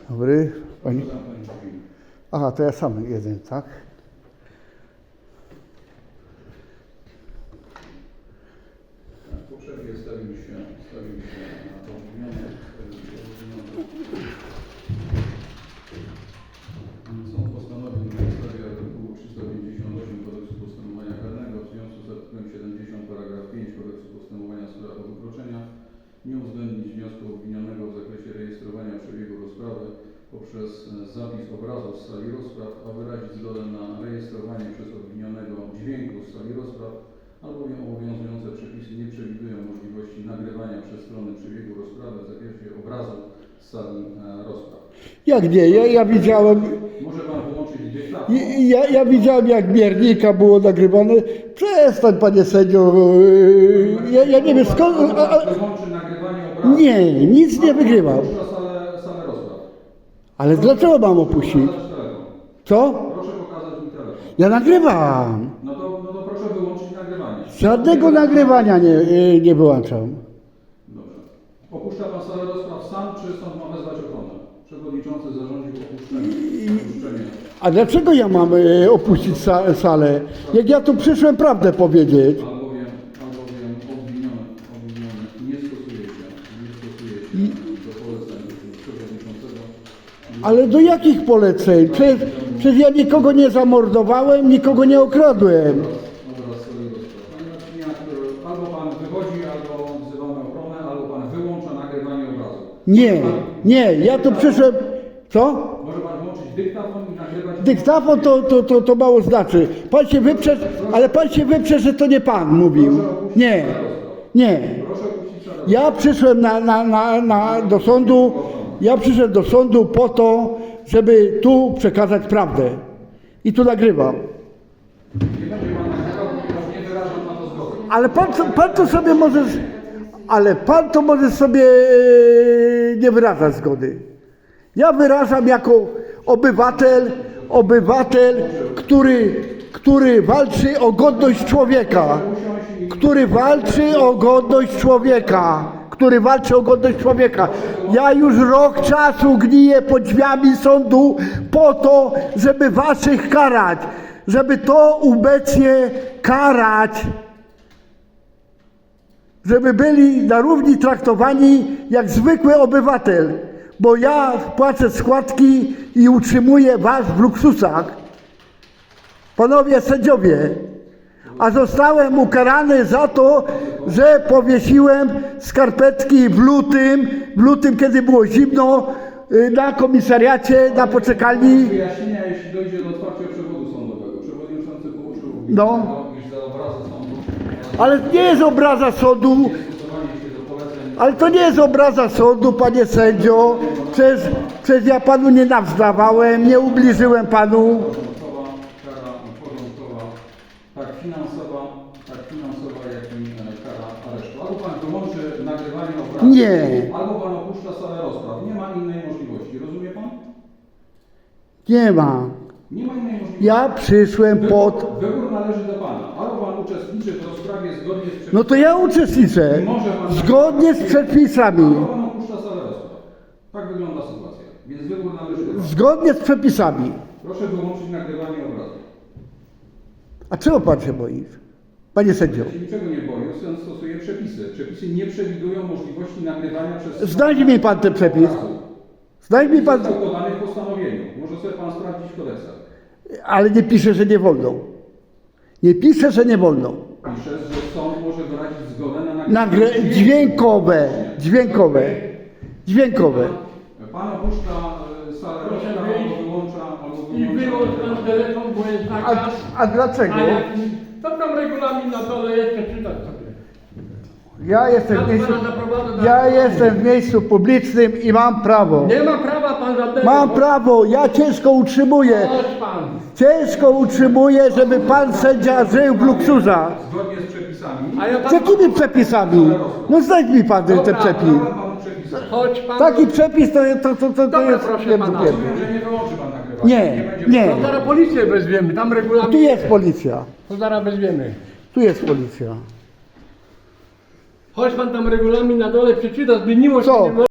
Dobry. Pani... Aha, to ja sam jeden, tak? Poprzednio stawiliśmy na to obwinione. Sąd postanowił na podstawie artykułu 358 Kodeksu Postępowania Karnego w związku z artykułem 70 paragraf 5 Kodeksu Postępowania w sprawach o wykroczenia nie uwzględnić wniosku obwinionego w zakresie rejestrowania przebiegu rozprawy poprzez zapis obrazu z sali rozpraw, a wyrazić zgodę na rejestrowanie przez obwinionego dźwięku z sali rozpraw, albowiem obowiązujące przepisy nie przewidują możliwości nagrywania przez stronę przebiegu rozprawy w zakresie obrazu z sali rozpraw. Jak nie? Ja widziałem... Może Pan wyłączyć dyktafon? Ja widziałem, jak miernika było nagrywane. Przestań, panie sędzio. Ja nie wiem skąd... Wyłączy nagrywanie obrazu. Nie, nic nie wygrywam. Opuszcza salę rozpraw. Ale dlaczego mam opuścić? Co? Proszę pokazać mi telefon. Ja nagrywam. No to proszę wyłączyć nagrywanie. Żadnego nagrywania nie wyłączam. Dobrze. Opuszcza Pan salę rozpraw sam, czy sąd ma wezwać ochronę? Przewodniczący zarządził opuszczenie. A dlaczego ja mam opuścić salę? Jak ja tu przyszłem prawdę powiedzieć. Albowiem obwiniony nie stosuje się do poleceń przewodniczącego. Ale do jakich poleceń? Przecież ja nikogo nie zamordowałem, nikogo nie okradłem. Obraz sali rozpraw. Panie Marcinie, albo Pan wychodzi, albo wzywamy ochronę, albo Pan wyłącza nagrywanie obrazu. Nie, ja tu przyszłem... Co? Może Pan włączyć dyktafon i nagrywać... Dyktafon to mało znaczy. Pan się wyprze, ale pan się wyprze, że to nie pan mówił. Nie. Proszę opuścić salę. Ja przyszłem do sądu. Ja przyszedłem do sądu po to, żeby tu przekazać prawdę. I tu nagrywam. Nie będzie Pan nagrywał, ponieważ nie wyrażam na to zgody. Ale pan to sobie może... Ale pan to może sobie nie wyrażać zgody. Ja wyrażam jako obywatel, który walczy o godność człowieka. Który walczy o godność człowieka. Ja już rok czasu gniję pod drzwiami sądu po to, żeby waszych karać. Żeby to obecnie karać. Żeby byli na równi traktowani jak zwykły obywatel. Bo ja płacę składki i utrzymuję was w luksusach. Panowie sędziowie, a zostałem ukarany za to, że powiesiłem skarpetki w lutym, kiedy było zimno, na komisariacie, na poczekalni. Wyjaśnienia, jeśli dojdzie do otwarcia przewodu sądowego. Przewodniczący położył iż za obrazę sądu. Ale nie jest obraza sądu. Stosowanie się do poleceń. Ale to nie jest obraza sądu, panie sędzio. Przecież ja panu nie nawzdawałem, nie ubliżyłem panu. Kara porządkowa, tak finansowa, jak i kara aresztu. Albo Pan wyłączy nagrywanie obrazu. Nie. Albo Pan opuszcza salę rozpraw. Nie ma innej możliwości. Rozumie Pan? Nie ma. Nie ma innej możliwości. Ja przyszłem Wybór należy do Pana. Albo Pan uczestniczy w rozprawie zgodnie z przepisami. No to ja uczestniczę. Zgodnie z przepisami. Albo Pan opuszcza salę rozpraw. Tak wygląda sytuacja. Więc wybór należy do Pana. Zgodnie z przepisami. Proszę wyłączyć nagrywanie obrazu. A czego pan się boi? Panie sędzio. Ja się niczego nie boję, sąd stosuje przepisy. Przepisy nie przewidują możliwości nagrywania przez... Znajdź mi pan ten przepis. Znajdź mi pan... Został podany w postanowieniu. Może sobie Pan sprawdzić w kodeksach. Ale nie pisze, że nie wolno. Nie pisze, że nie wolno. Pisze, że sąd może wyrazić zgodę na nagrywanie... Dźwiękowe. Pan opuszcza salę rozpraw, albo wyłącza... I wyłącz ten telefon, bo jest nakaz. A dlaczego? To tam regulamin na dole jeszcze czytać sobie. Ja jestem w miejscu publicznym i mam prawo. Nie ma prawa pan żadnego. Mam prawo, ja ciężko utrzymuję. Chodź pan. Ciężko utrzymuję, żeby pan sędzia żył w luksusach. Zgodnie z przepisami... A ja Z pan... jakimi przepisami? No znajdź mi pan ten przepis. Dałem Panu przepisy. Chodź pan. Taki przepis to Dobra, jest... proszę pana. wiem. Że nie wyłączy Pan nagrywania. Nie. To zaraz policję wezwiemy, tam regulamin. Tu jest policja. To zaraz wezwiemy. Tu jest policja. Chodź pan tam regulamin na dole przeczyta, zmieniło się. Co? Nie